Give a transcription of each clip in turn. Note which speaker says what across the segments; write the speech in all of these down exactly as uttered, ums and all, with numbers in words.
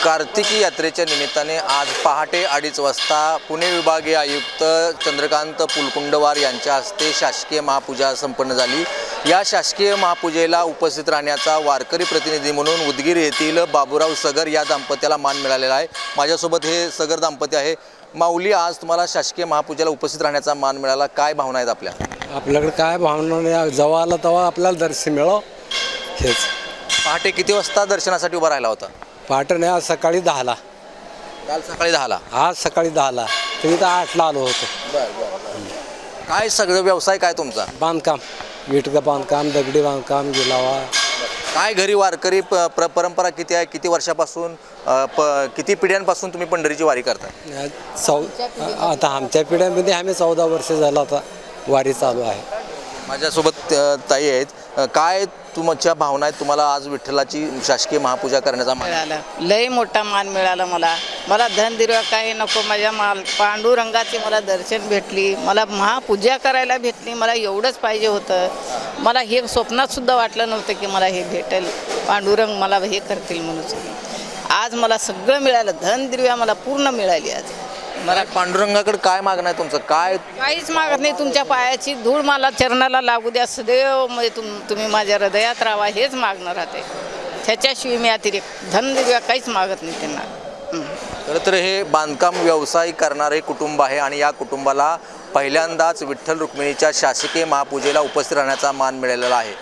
Speaker 1: कार्तिकी यात्रेच्या निमित्ताने आज पहाटे अडीच वाजता पुणे विभागीय आयुक्त चंद्रकांत पुलकुंडवार यांच्या हस्ते शासकीय महापूजा संपन्न झाली। या शासकीय महापूजेला उपस्थित राहण्याचा वारकरी प्रतिनिधी म्हणून उदगीर येथील बाबूराव सगर या दाम्पत्याला मान मिळालेला आहे। माझ्यासोबत हे सगर दाम्पत्य आहे। माऊली, आज तुम्हाला शासकीय महापूजेला उपस्थित राहण्याचा मान मिळाला, काय भावना आहेत आपल्या?
Speaker 2: आपल्याकडे काय भावना नाही, जेव्हा आला तेव्हा आपल्याला दर्शन मिळो हेच।
Speaker 1: पहाटे किती वाजता दर्शनासाठी उभा राहिला होता?
Speaker 2: पहाटे नाही, आज सकाळी दहाला।
Speaker 1: काल सकाळी दहाला?
Speaker 2: आज सकाळी दहाला, तुम्ही तर आठला आलो होतो।
Speaker 1: बरं बरं। काय सगळं व्यवसाय काय तुमचा?
Speaker 2: बांधकाम, विटचं बांधकाम, दगडी बांधकाम, गिलावा।
Speaker 1: काय घरी वारकरी प प्र परंपरा किती आहे? किती वर्षापासून अ, प किती पिढ्यांपासून तुम्ही पंढरीची वारी करता?
Speaker 2: चौ आता आमच्या पिढ्यामध्ये आम्ही चौदा वर्ष झालं आता वारी चालू आहे।
Speaker 1: माझ्यासोबत अ, ताई आहेत। अ, काय तुमच्या भावना आहेत? तुम्हाला आज विठ्ठलाची शासकीय महापूजा करण्याचा मान
Speaker 3: मिळाला, लय मोठा मान मिळाला मला। मला धन दिरवा काही नको, माझ्या माल पांडुरंगाची मला दर्शन भेटली, मला महापूजा करायला भेटली, मला एवढंच पाहिजे होतं। मला हे स्वप्नात सुद्धा वाटलं नव्हतं की मला हे भेटेल, पांडुरंग मला हे करतील म्हणून। आज मला सगळं मिळालं, धन दिरव्या मला पूर्ण मिळाली। आज
Speaker 1: मला पांडुरंगाकडे काय मागणं आहे तुमचं? काय
Speaker 3: काहीच मागत नाही, तुमच्या पायाची धूळ मला चरणाला लागू द्या सदैव, म्हणजे तुम तुम्ही माझ्या हृदयात राहा, हेच मागणं राहते। त्याच्याशिवाय मी अतिरिक्त धन दिव्या काहीच मागत नाही त्यांना।
Speaker 1: खरं तर हे बांधकाम व्यवसाय करणारे कुटुंब आहे आणि या कुटुंबाला पहिल्यांदाच विठ्ठल रुक्मिणीच्या शासकीय महापूजेला उपस्थित राहण्याचा मान मिळालेला आहे।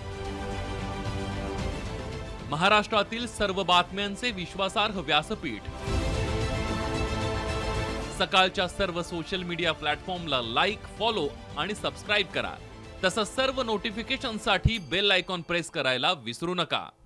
Speaker 4: महाराष्ट्रातील सर्व बातम्यांचे विश्वासार्ह व्यासपीठ, सकाळच्या सर्व सोशल मीडिया प्लॅटफॉर्मला लाईक, फॉलो आणि सबस्क्राईब करा। तसंच सर्व नोटिफिकेशनसाठी बेल आयकॉन प्रेस करायला विसरू नका।